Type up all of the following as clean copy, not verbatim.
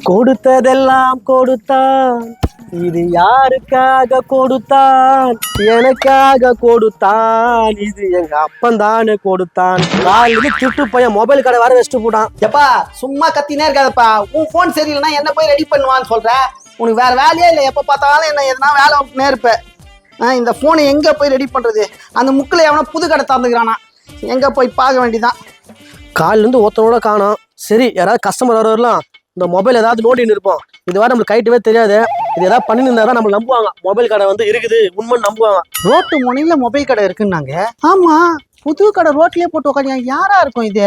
கொடுத்ததெல்லாம் கொடுத்தான், இது யாருக்காக கொடுத்தான்? எனக்காக கொடுத்தான், இது எங்க அப்பன் தானே கொடுத்தான். காலையில திட்டு பையன் மொபைல் கடை வர வச்சுட்டு போட்டான். எப்பா சும்மா கத்தினே இருக்காதப்பா. உன் போன் சரியில்லைன்னா என்ன போய் ரெடி பண்ணுவான்னு சொல்ற. உனக்கு வேற வேலையே இல்லை. எப்ப பார்த்தாலும் என்ன எதனா வேலை விட்டுனே இருப்ப. இந்த போனை எங்க போய் ரெடி பண்றது? அந்த முக்கில் எவனா புது கடை தந்துக்கிறானா, எங்க போய் பார்க்க வேண்டியதான். காலில இருந்து ஒருத்தனோட காணோம். சரி, யாராவது கஸ்டமர் வரலாம், இந்த மொபைல் ஏதாவது நோண்டின்னு இருப்போம். இது வரை நம்மளுக்கு கைட்டவே தெரியாது. இது ஏதாவது பண்ணிருந்தா நம்ம நம்புவாங்க. மொபைல் கடை வந்து இருக்குது உண்மைன்னு நம்புவாங்க. ரோட்டு முனையில மொபைல் கடை இருக்குன்னாங்க. ஆமா, புது கடை ரோட்லயே போட்டு உட்காந்து யாரா இருக்கும் இது?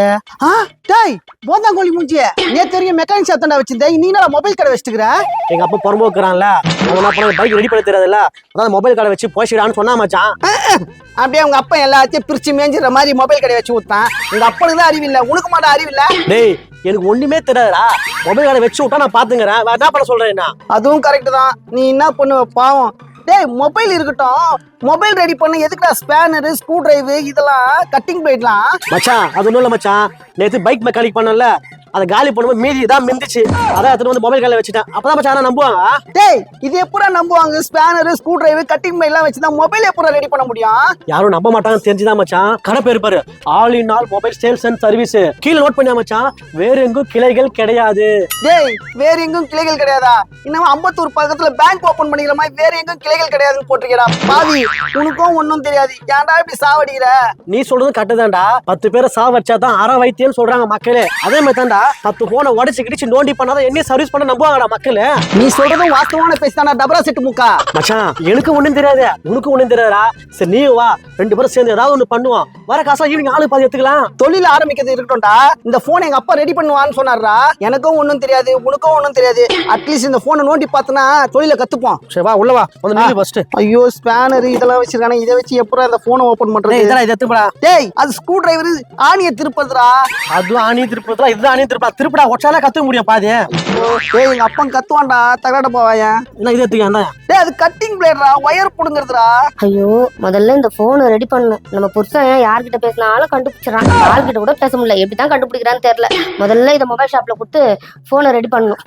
டாய் போந்தாங்கோழி மூஞ்சிய நேத்து தெரியும் மெக்கானிக் ஷாப் வச்சிருந்தேன். நீ என்ன மொபைல் கடை வச்சுக்கிற? எங்க அப்பா புறம்போக்குறான்ல, அவன் என்ன பண்ண பைக் ரெடி பண்ண தெரியாதுல்ல, அதான் மொபைல் கடை வச்சு போயிடான்னு சொன்னா மச்சான். அப்படியே உங்க அப்பா எல்லாத்தையும் பிரிச்சு மேஞ்சிற மாதிரி மொபைல் கடை வச்சு ஊத்தான். உங்க அப்பனுக்கு தான் அறிவில்லை, உனக்கு மாட்டா அறிவில்லை. டேய் எனக்கு ஒண்ணுமே தெரியாதுடா. மொபைல் கடை வச்சு விட்டா நான் பாத்துக்கிறேன். வேற என்ன பண்ண சொல்றேன்? அதுவும் கரெக்ட் தான். நீ என்ன பண்ணுவ பாவம். டேய் மொபைல் இருக்கட்டும், மொபைல் ரெடி பண்ண எதுக்குடா ஸ்பேனர், ஸ்க்ரூ டிரைவு, இதெல்லாம் கட்டிங் பிளேட்லாம்? மச்சான் அது ஒண்ணும் இல்ல மச்சான், நேத்து பைக் மெக்கானிக் பண்ணல, அதை காலி பண்ணும்போது மீதி தான் மிந்துச்சு. அதான் எடுத்து வந்து மொபைல் கடையில வச்சுட்டேன். அப்பதான் மச்சான் நம்புவாங்க. டேய் இது எப்படா நம்புவாங்க? Spanner, screwdriver, cutting blade எல்லாம் வச்சுதான் மொபைல் எப்படா ரெடி பண்ண முடியும்? யாரும் நம்ப மாட்டாங்கன்னு தெரிஞ்சுதான் மச்சான் கடை பேர் பாரு, all in all mobile sales and service. கீழே நோட் பண்ணியா மச்சான், வேற எங்கும் கிளைகள் கிடையாது. டேய் வேற எங்கும் கிளைகள் கிடையாதா? இன்னும் அம்பத்தூர் பக்கத்துல பேங்க் ஓபன் பண்ணிக்கிற மாதிரி வேற எங்கும் கிளைகள் கிடையாதுன்னு போட்டிருக்கா. பாவி, உனக்கும் ஒன்னும் தெரியாது. ஏன்டா இப்படி சாவடிக்கிற? நீ சொல்றது கட்டுதான்டா. 10 பேரை சாவச்சாதான் அற வைத்தியம் சொல்றாங்க மக்களே. அதே மாதிரி தான்டா 10 போனை உடச்சு கிடிச்சு நோண்டி பண்ணாதான் என்ன சர்வீஸ் பண்ண நம்புவாங்கடா மக்களே. நீ சொல்றதும் வாஸ்தவான பேசிதானா டபரா செட்டு முக்கா? மச்சான் எனக்கு ஒண்ணும் தெரியாது, உனக்கு ஒண்ணும் தெரியாதா? சரி நீ வா, 2 பேரும் சேர்ந்து ஏதாவது ஒண்ணு பண்ணுவோம். வர காசா ஈவினிங் ஆளு பாதி எடுத்துக்கலாம். தொழில ஆரம்பிக்கிறது இருக்கட்டும்டா. இந்த போன் எங்க அப்பா ரெடி பண்ணுவான்னு சொன்னாரா. எனக்கும் ஒன்னும் தெரியாது, உனக்கும் ஒன்னும் தெரியாது. அட்லீஸ்ட் இந்த போனை நோண்டி பார்த்தனா தொழில கத்துப்போம். சரி வா உள்ள வா, வந்து நீ ஃபர்ஸ்ட். ஐயோ ஸ்பேனர் இதெல்லாம் வச்சிருக்கானே, இதை வச்சு எப்பறம் இந்த போனை ஓபன் பண்றது? இதெல்லாம் இதை திருப்படா. டேய் அது ஸ்க்ரூ டிரைவர் ஆணியை திருப்பதுடா. அதுவும் ஆணி திருப்பதுடா, இதுதான் ஆணி திருப்பா. திருப்படா ஒச்சால கத்துக்க முடியும் பாதி. டேய் எங்க அப்பா கத்துவான்டா, தகராட போவாயா? என்ன இதை எடுத்துக்கா? டேய் அது கட்டிங் பிளேட்ரா, ஒயர் புடுங்கிறதுடா. ஐயோ முதல்ல இந்த போனை ரெடி பண்ணணும். நம்ம புருஷன் யார்கிட்ட பேசினாலும் கண்டுபிடிச்சிடறான். யார்கிட்ட கூட பேச முடியல, எப்படிதான் கண்டுபிடிக்கிறான்னு தெரியல. முதல்ல இதை மொபைல் ஷாப்ல கொடுத்து போனை ரெடி பண்ணணும்.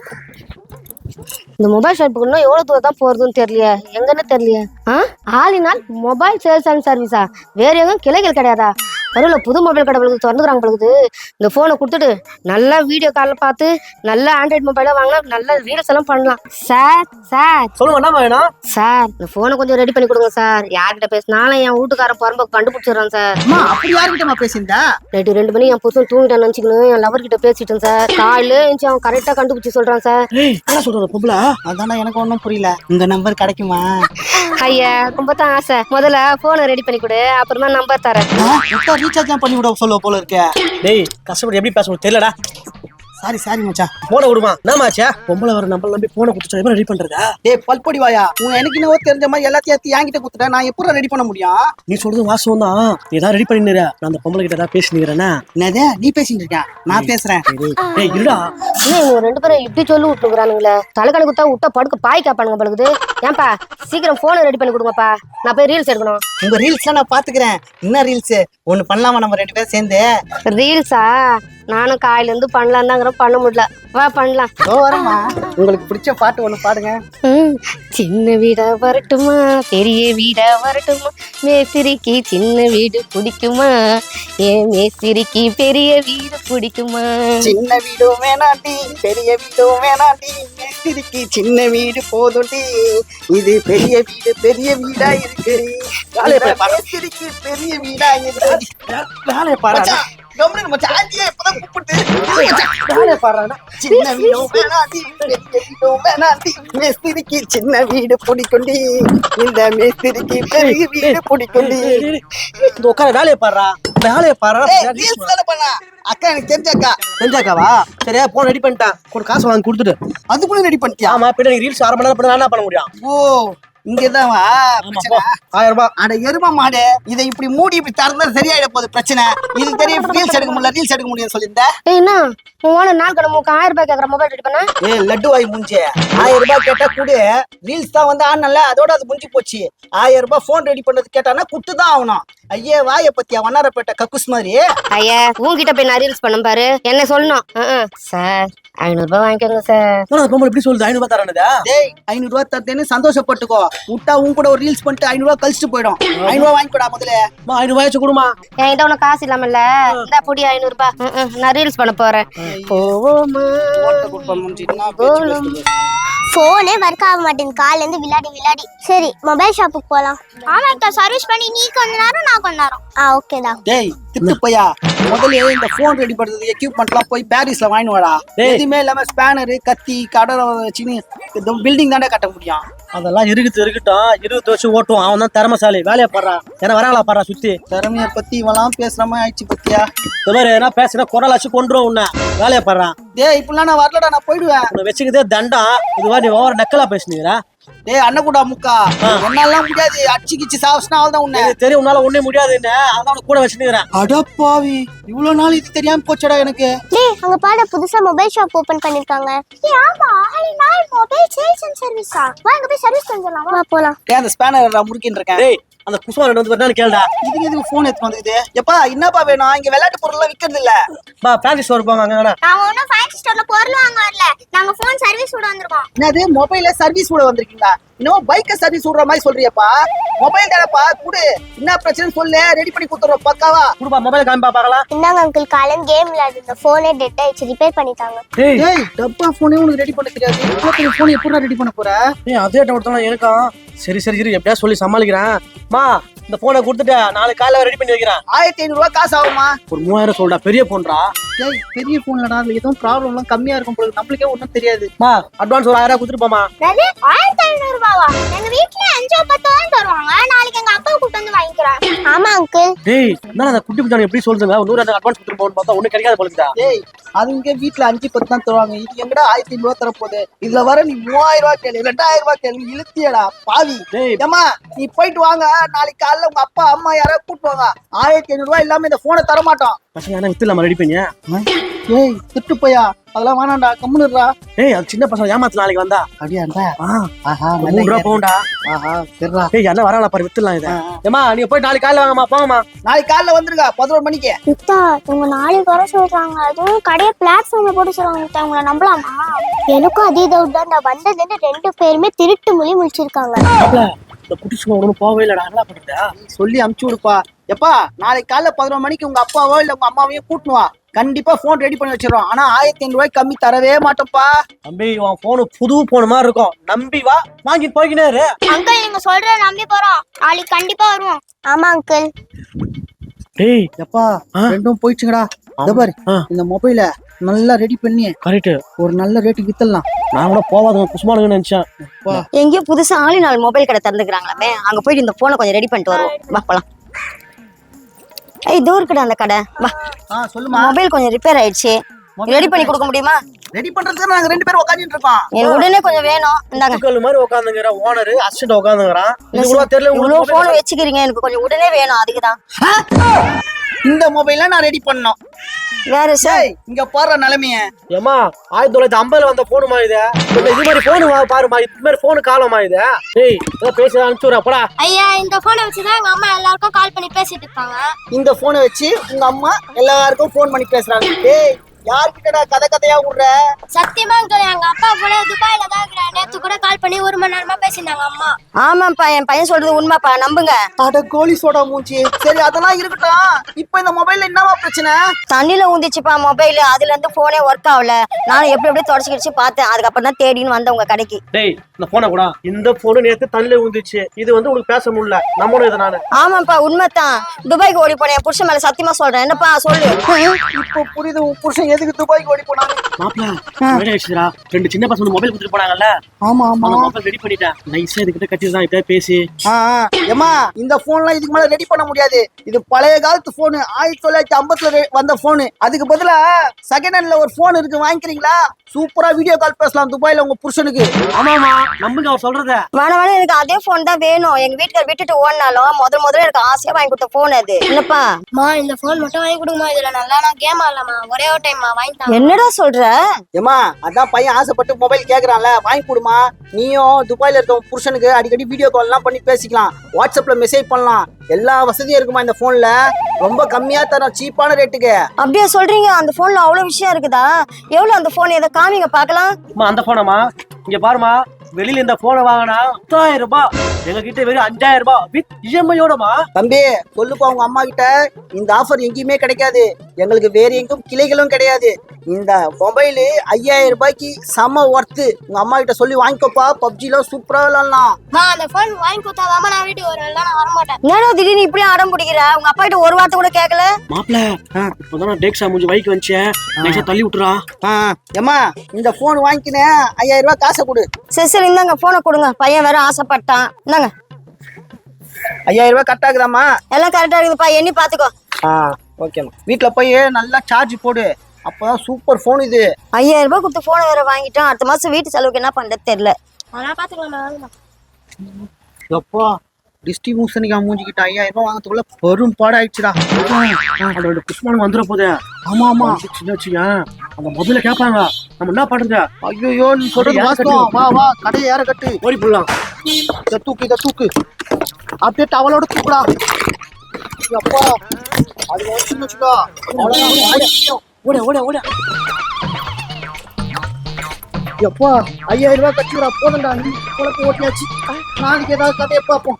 இந்த மொபைல் ஷாப்புக்கு இன்னும் எவ்வளவு தூரம் தான் போறதுன்னு தெரியலையே, எங்கன்னு தெரியலையே. ஆலினால் மொபைல் சேல்ஸ் அண்ட் சர்வீஸா? வேற எங்கும் கிளைகள் கிடையாதா? பரவாயில்ல, புது மொபைல் கடை திறந்துக்கிறாங்க பழுகுது. இந்த போனை கொடுத்துட்டு நல்லா வீடியோ காலில் பார்த்து நல்லா ஆண்ட்ராய்டு மொபைலா வாங்கினா நல்லா ரீல்ஸ் எல்லாம் பண்ணலாம். சார் சொல்லுங்க என்ன வேணும்? சார் இந்த போனை கொஞ்சம் ரெடி பண்ணி கொடுங்க சார். யார்கிட்ட பேசினாலும் என் வீட்டுக்காரன் புறம்போக்கு கண்டுபிடிச்சிடறான் சார். அப்படி யாருக்கிட்டமா பேசியிருந்தா? நைட்டு 2 மணி என் புருஷன் தூங்கிட்டான்னு நினைச்சுக்கணும். என் லவர் கிட்ட பேசிட்டேன் சார். காலையில எஞ்சி அவன் கரெக்டா கண்டுபிடிச்சி சொல்றான் சார். என்ன சொல்றது பொம்பளை? அதான எனக்கு ஒன்றும் புரியல. இந்த நம்பர் கிடைக்குமா? ஐயா ரொம்ப தான் ஆசை. முதல்ல போனை ரெடி பண்ணி கொடு, அப்புறமா நம்பர் தரேன். ரீசார்ஜ் பண்ணி விட சொல்ல போல இருக்க. டேய் கஷ்டப்பட்டு எப்படி பேசணும் தெரியலடா. சாரி மச்சான். போன விடுமா நாமாச்சா? பொம்பளை வர நம்பர் நம்பி போன கொடுத்து எப்படி ரெடி பண்றதா? டேய் பல்பொடி வாயா, எனக்கு இன்னும் தெரிஞ்ச மாதிரி எல்லாத்தையும் எடுத்து என்கிட்ட கொடுத்துட்டேன். நான் எப்படி ரெடி பண்ண முடியும்? நீ சொல்றது வாசம் தான். ஏதாவது ரெடி பண்ணிடுற. நான் அந்த பொம்பளை கிட்ட ஏதாவது பேசினுக்கிறேன்னா? என்னது நீ பேசிட்டு இருக்க? நான் பேசுறேன். டேய் இருடா. இவங்க 2 பேரும் இப்படி சொல்லி விட்டுருக்கானுங்களே. தலைக்கணக்கு குத்தா விட்டா படுக்க பாய் காப்பானுங்க பழுகுது. ஏன்பா சீக்கிரம் போனை ரெடி பண்ணி கொடுங்கப்பா, நான் போய் ரீல்ஸ் எடுக்கணும். உங்க ரீல்ஸ் நான் பாத்துக்கிறேன். என்ன ரீல்ஸ் ஒண்ணு பண்ணலாமா நம்ம 2 பேரும் சேர்ந்து? ரீல்ஸா? நானும் காலையில இருந்து பண்ணலாம் தாங்கிற, பண்ண முடியல. வா பண்ணலாம். வரமா, உங்களுக்கு பிடிச்ச பாட்டு ஒண்ணு பாடுங்க. சின்ன வீடா வரட்டுமா பெரிய வீடா வரட்டுமா, மேஸ்திரிக்கு சின்ன வீடு பிடிக்குமா, ஏன் மேஸ்திரிக்கு பெரிய வீடு பிடிக்குமா? சின்ன வீடும் வேணாண்டி பெரிய வீடும் வேணாண்டி, மேஸ்திரிக்கு சின்ன வீடு போதுண்டி. இது பெரிய வீடா இருக்கு. மேஸ்திரிக்கு பெரிய வீடா இருக்கு. வேலையை பாரு. சின்ன வீடும் வேணாண்டி பெரிய வீடும் வேணாண்டி, மேஸ்திரிக்கு சின்ன வீடு பிடிக்குண்டி. இந்த மேஸ்திரிக்கு பெரிய வீடு பிடிக்குண்டி. உட்கார வேலையை பாடுறா. வேலையை பாடுறா. அக்கா எனக்கு தெரிஞ்சாக்கா. தெரிஞ்சாக்காவா? சரியா போன் ரெடி பண்ணிட்டேன். ஒரு காசு வாங்கி கொடுத்துட்டு. அதுக்குள்ள ரெடி பண்ணிட்டியா? ஆமா, பின்னாடி ரீல்ஸ் 1/2 மணி நேரம் பண்ண என்ன பண்ண முடியும்? ஓ இங்கதான் 1000 ரூபாய். அட எருமா மாடு, இதை இப்படி மூடி இப்படி திறந்தா சரியாயிட போகுது பிரச்சனை. இது தெரியும் ரீல்ஸ் எடுக்க முடியும் சொல்லியிருந்தேன். என்ன உன் நாள் கடமுக்கு 1000 ரூபாய் கேக்குற மொபைல் ரெடி பண்ண? லட்டு வாய் மூஞ்சி. 1000 ரூபாய் கேட்டா கூட ரீல்ஸ் தான் வந்து ஆனல, அதோட அது முடிஞ்சு போச்சு. 1000 ரூபாய் போன் ரெடி பண்ணது கேட்டானா குட்டுதான் ஆகணும். ஐயே வாய பத்தியா வண்ணாரப்பேட்டை கக்குஸ் மாதிரி. ஐயா உங்ககிட்ட போய் நான் ரீல்ஸ் பண்ண பாரு என்ன சொல்லணும் சார் 500 ரூபாய் வாங்கிக்கோங்க சார். பொம்பளை எப்படி சொல்லுது 500 ரூபாய் தரானுதா? டேய் 500 ரூபாய் தரேன்னு சந்தோஷப்பட்டுக்கோ. விட்டா உன் கூட ஒரு ரீல்ஸ் பண்ணிட்டு 500 ரூபாய் கழிச்சுட்டு போயிடும். 500 ரூபாய் வாங்கிக்கோடா முதல்ல. 500 ரூபாய் வச்சு கொடுமா. என்கிட்ட உனக்கு காசு இல்லாமல்ல இந்த பொடி 500 ரூபாய் நான் ரீல்ஸ் பண்ண போறேன். போனே ஒர்க் ஆக மாட்டேங்குது காலையில இருந்து விளையாடி. சரி மொபைல் ஷாப்புக்கு போலாம். ஆமாக்கா சர்வீஸ் பண்ணி நீ கொஞ்ச நேரம் நான் கொஞ்ச நேரம். ஓகேடா. டேய் திட்டு பையா முதல்ல இந்த போன் ரெடி பண்றது எக்யூப்மெண்ட்லாம் போய் பாரிஸ்ல வாங்கி வாடா. எதுவுமே இல்லாம ஸ்பேனர் கத்தி கடலை வச்சு பில்டிங் தானே கட்ட முடியும். அதெல்லாம் இருக்கட்டும் 20 வருஷம் ஓட்டுவான். அவன் தான் திறமைசாலி. வேலையை பாடுறான். ஏன்னா வராங்களா பாடுறா சுத்தி. திறமைய பத்தி இவெல்லாம் பேசுற மாதிரி ஆயிடுச்சு பத்தியா. இந்த மாதிரி என்ன பேசுனா குரலாச்சு கொண்டுரும் உன்ன. வேலையை பாடுறான். டேய் இப்படிலாம் நான் வரலடா நான் போயிடுவேன். உன்னை வச்சுக்கிட்டே தண்டம். இதுவா நீ ஓவர நக்கலா பேசுனீங்களா? டேய் அண்ணக்கூடா முக்கா என்னால முடியாது. அடிச்சு கிச்சு சாவஸ்னா அவள்தான் உன்னை. தெரியும் உன்னால ஒண்ணே முடியாதுன்னு. அதான் கூட வச்சுக்கிறேன். அடப்பாவி இவ்வளவு நாள் இது தெரியாம போச்சடா எனக்கு. டேய் அங்க பாட புதுசா மொபைல் ஷாப் ஓபன் பண்ணிருக்காங்க. ஏய் ஆமா நாள் மொபைல் சேல்ஸ் அண்ட் சர்வீஸா. வாங்க போய் சர்வீஸ் பண்ணலாம். வா போலாம். டேய் அந்த ஸ்பேனர் முறுக்கின்னு இருக்கேன். டேய் அந்த குசுமா ரெண்டு வந்து கேளுடா. இதுக்கு எதுக்கு போன் எடுத்து வந்துக்குது? எப்பா என்னப்பா வேணும்? இங்க விளையாட்டு பொருள் எல்லாம் விக்கிறது இல்ல. பா ஃபேன்சி ஸ்டோர் போங்க அங்க. நாங்க ஒண்ணும் ஃபேன்சி ஸ்டோர்ல பொருள் வாங்க வரல. நாங்க போன் சர்வீஸ் விட வந்திருக்கோம். என்னது மொபைல்ல சர்வீஸ் விட வந்திருக்கீங்களா? இன்னும் பைக்க சர்வீஸ் விடுற மாதிரி சொல்றியப்பா. மொபைல் தானப்பா குடு. என்ன பிரச்சனை சொல்லு ரெடி பண்ணி கொடுத்துறோம் பக்காவா. குடுப்பா மொபைல் காமிப்பா பார்க்கலாம். இந்தாங்க அங்கிள் காலையில கேம் விளையாடுற போனே டெட் ஆயிடுச்சு ரிப்பேர் பண்ணிட்டாங்க. டேய் டப்பா போனே உனக்கு ரெடி பண்ண தெரியாது. இப்போ போன் எப்பறா ரெடி பண்ண போற? ஏய் அதே டவுட் எனக்கும். சரி எப்படியா சொல்லி சமாளிக்கிறேன். மா இந்த போனை கொடுத்துட்டு நாளைக்கு காலையில ரெடி பண்ணி வைக்கிறேன். 1500 ரூபாய் காசு ஆகுமா? ஒரு 3000 சொல்றா. பெரிய போன்றா. டேய் பெரிய போன்லடா அதுல ஏதோ ப்ராப்ளம் எல்லாம் கம்மியா இருக்கும் போல. நம்மளுக்கே ஒண்ணும் தெரியாது. மா அட்வான்ஸ் ஒரு 1000 ரூபாய் கொடுத்துட்டு போமா. 1500 ரூபாவா? எங்க வீட்ல 5 10 தான் தருவாங்க. நாளைக்கு எங்க அப்பா கூட்டி வந்து வாங்கிக்கிறேன். ஆமா அங்கிள். டேய் என்ன அந்த குட்டி குட்டி எப்படி சொல்லுங்க? 100 அட்வான்ஸ் கொடுத்துட்டு போன்னு பார்த்தா ஒண்ணு கிடைக்காத போலுதா. டேய் அதுங்க வீட்ல 5 10 தான் தருவாங்க. இது எங்கடா 1500 ரூபாய் தர போகுது? இதுல வர நீ 3000 ரூபாய் கேளு 2000 ரூபாய் கேளு இழுத்தியடா பாவி. ஏமா நீ போயிட்டு வாங்க. நாளைக்கு காலைல உங்க அப்பா அம்மா யாராவது கூட்டு வாங்க. 1500 ரூபாய் இல்லாம இந்த போனை தர மாட்டோம். பசங்க என்ன வித்துலாமா ரெடி பண்ணியா? ஏய் திட்டு போயா அதெல்லாம் வேணாம்டா கம்முனுடா. ஏய் அது சின்ன பசங்க ஏமாத்து நாளைக்கு வந்தா. அப்படியாண்டா? ஆஹா 3 ரூபாய் போண்டா. ஆஹா சரிடா. ஏய் என்ன வரல பாரு வித்துலாம் இத. ஏமா நீ போய் நாளைக்கு காலையில வாங்கம்மா போங்கம்மா. நாளைக்கு காலைல வந்துருங்க 11 மணிக்கு. முத்தா இவங்க நாளைக்கு வர சொல்றாங்க. அதுவும் கடையை பிளாட்ஃபார்ம்ல போட்டு சொல்றாங்க. முத்தா உங்களை நம்பலாமா? எனக்கும் அதே டவுட் தான். நான் வந்ததுன்னு 2 பேருமே திருட்டு மொழி முடிச்சிருக்காங்க. இந்த குட்டிசுமா ஒன்றும் போகவே இல்லடா. என்ன பண்றதா சொல்லி அமுச்சு விடுப்பா. எப்பா நாளைக்கு காலைல 11 மணிக்கு உங்க அப்பாவோ இல்ல உங்க அம்மாவையும் கூட்டுவா. கண்டிப்பா போன் ரெடி பண்ணி வச்சிடறோம். ஆனா 1500 ரூபாய் கம்மி தரவே மாட்டோம்ப்பா. தம்பி உன் போனு புது போன மாதிரி இருக்கும். நம்பி வா வாங்கி போய்க்கினாரு. அங்கிள் நீங்க சொல்ற நம்பி போறோம். நாளைக்கு கண்டிப்பா வருவோம். ஆமா அங்கிள். டேய் எப்பா ரெண்டும் போயிடுச்சுங்கடா. பாரு இந்த மொபைல நல்லா ரெடி பண்ணி கரெக்ட் ஒரு நல்ல ரேட்டுக்கு வித்தலாம். நான் கூட போவாதுங்க குசுமானுங்க நினைச்சேன். எங்கேயோ புதுசா ஆளினால் மொபைல் கடை திறந்துக்கிறாங்களாமே. அங்க போயிட்டு இந்த போனை கொஞ்சம் ரெடி பண்ணிட்டு வருவோம். வா போலாம். ஏய் இதோ இருக்குடா அந்த கடை. வா சொல்லுமா. மொபைல் கொஞ்சம் ரிப்பேர் ஆயிடுச்சு. ரெடி பண்ணி கொடுக்க முடியுமா? ரெடி பண்றதுக்கு நாங்க 2 பேரும் உட்கார்ந்துட்டு இருக்கோம். எனக்கு உடனே கொஞ்சம் வேணும். இந்தாங்க. கல் மாதிரி உட்கார்ந்துங்கற ஓனர் அசிஸ்டன்ட் உட்கார்ந்துங்கறான். இதுக்குள்ள தெரியல உங்களுக்கு போன் வெச்சிக்கிறீங்க. எனக்கு கொஞ்சம் உடனே வேணும். அதுக்கு தான் இந்த மொபைல நான் ரெடி பண்ணோம். வேற சார் இங்க பாரு நிலைமைய. ஏமா 1950ல வந்த போனுமா இது? இது மாதிரி போன் பாருமா. இது மாதிரி போன் காலமா இது? டேய் ஏதோ பேசி அனுப்பிச்சுறா போடா. ஐயா இந்த போனை வச்சு தான் எங்க அம்மா எல்லாருக்கும் கால் பண்ணி பேசிட்டு இருக்காங்க. இந்த போனை வச்சு உங்க அம்மா எல்லாருக்கும் போன் பண்ணி பேசுறாங்க. டேய் யார்கிட்டடா கதையா விடுற? சத்தியமா எங்க அப்பா கூட துபாயில தான் இருக்கிறாங்க. நேத்து கூட கால் பண்ணி 1 மணி நேரமா பேசினாங்க அம்மா. ஆமாப்பா என் பையன் சொல்றது உண்மைப்பா நம்புங்க. அட கோலி சோடா மூஞ்சி. சரி அதெல்லாம் இருக்கட்டும். இப்போ இந்த மொபைல்ல என்னவா பிரச்சனை? தண்ணியில ஊந்திச்சுப்பா மொபைல். அதுல இருந்து போனே ஒர்க் ஆகல. நான் எப்படி தொடச்சிக்கிச்சு பார்த்தேன். அதுக்கப்புறம் தான் தேடின்னு வந்த உங்க கடைக்கு. டேய் இந்த போனை கூட இந்த போன் நேத்து தண்ணில ஊந்திச்சு. இது வந்து உங்களுக்கு பேச முடியல. நம்மளும் இத நானு. ஆமாப்பா உண்மைதான். துபாய்க்கு ஓடி போனேன். புருஷன் மேல சத்தியமா சொல்றேன். என்னப்பா சொல்லு. இப்போ புரியுது உன் புருஷன் எதுக்கு துபாய்க்கு ஓடி போனாங்க. மாப்ள வேலை ஆயிடுச்சுடா. 2 சின்ன பசங்க மொபைல் கொடுத்துட்டு போனாங்கல்ல. ஆமா ஆமா மொபைல் ரெடி பண்ணிட்டேன். நைஸா இதுகிட்ட கட்டிதான் இப்ப பேசி. ஏமா இந்த போன்லாம் இதுக்கு மேல ரெடி பண்ண முடியாது. இது பழைய காலத்து போன். 1950ல வந்த போன். அதுக்கு பதிலா செகண்ட் ஹேண்ட்ல ஒரு போன் இருக்கு வாங்கிக்கிறீங்களா? சூப்பரா வீடியோ கால் பேசலாம் துபாயில உங்க புருஷனுக்கு. ஆமாமா நம்புங்க அவர் சொல்றத. வேணாம் எனக்கு அதே போன் தான் வேணும். எங்க வீட்டுக்கார விட்டுட்டு ஓடினாலும் முதல்ல எனக்கு ஆசையா வாங்கி கொடுத்த போன் அது. என்னப்பா இந்த போன் மட்டும் வாங்கி கொடுமா. இதுல நல்லா நான் கேம் ஆடலாமா? ஒரே ஒரு டைம் இல்லையம்மா வாங்கிட்டாங்க. என்னடா சொல்ற? ஏமா அதான் பையன் ஆசைப்பட்டு மொபைல் கேக்குறான்ல, வாங்கி கொடுமா. நீயும் துபாயில இருக்க உன் புருஷனுக்கு அடிக்கடி வீடியோ கால் எல்லாம் பண்ணி பேசிக்கலாம், வாட்ஸ்அப்ல மெசேஜ் பண்ணலாம், எல்லா வசதியும் இருக்குமா இந்த போன்ல. ரொம்ப கம்மியா தரோம், சீப்பான ரேட்டுக்கு. அப்படியே சொல்றீங்க? அந்த போன்ல அவ்வளவு விஷயம் இருக்குதா? எவ்வளவு அந்த போன்? எதை காமிங்க பாக்கலாம். அந்த போனமா இங்க பாருமா, வெளியில இந்த போனை வாங்கினா 10,000 ரூபாய், எங்க கிட்ட வெறும் 5,000 ரூபாய் வித் இஎம்ஐயோடமா. தம்பி சொல்லுப்பா உங்க அம்மா கிட்ட, இந்த ஆஃபர் எங்கேயுமே கிடைக்காது, எங்களுக்கு வேற எங்கும் கிளைகளும் கிடையாது. இந்த மொபைலு 5,000 ரூபாய்க்கு செம ஒர்த்து. உங்க அம்மா கிட்ட சொல்லி வாங்கிக்கோப்பா, பப்ஜில சூப்பரா விளாடலாம். அந்த போன் வாங்கி கொடுத்தாதாம நான் வீட்டுக்கு வருவேன், நான் வரமாட்டேன். என்னடா திடீர்னு இப்படி அடம் பிடிக்கிற? உங்க அப்பா கிட்ட ஒரு வார்த்தை கூட கேட்கல? மாப்பிள்ள இப்பதான் டேக்ஸா முடிஞ்சு பைக் வந்துச்சு, டேக்ஸா தள்ளி விட்டுறா. ஏமா இந்த போன் வாங்கிக்கினேன், 5,000 ரூபாய் காசை கொடு. சரி சரி, இந்தாங்க போனை கொடுங்க. பையன் வேற ஆசைப்பட்டான். இந்தாங்க 5,000 ரூபாய் கரெக்டா இருக்குதாம்மா? எல்லாம் கரெக்டா இருக்குதுப்பா, எண்ணி பாத்துக்கோ. ஓகேம்மா. வீட்டுல போய் நல்லா சார்ஜ் போடு, அப்பதான் சூப்பர் போன் இது. 5,000 ரூபாய் கொடுத்து போனை வேற வாங்கிட்டோம். அடுத்த மாசம் வீட்டு செலவுக்கு என்ன பண்றது தெரியல. அதெல்லாம் பாத்துக்கலாம். எப்பா டிஸ்ட்ரிபியூஷனுக்கு மூஞ்சிக்கிட்ட 5,000 ரூபாய் வாங்கறதுக்குள்ள பெரும் பாடாயிடுச்சுடா. அதோட புஷ்மானம் வந்துட போதே. ஆமா ஆமா, சின்ன அந்த மொபைல கேட்பாங்க, நம்ம என்ன பண்றது? ஐயோ நீ சொல்றது வாஸ்தவம். வா வா, கடையை ஏற கட்டு, ஓடி போடலாம். இதை தூக்கு அப்படியே டவலோட தூக்குடா. அப்பா அது வச்சுக்கோ. ஓட ஓட ஓட. எப்பா 5,000 ரூபாய் கட்டிடா, போதண்டா. நீ குழப்பம் ஓட்டியாச்சு, நாளைக்கு ஏதாவது கதையை பார்ப்போம்.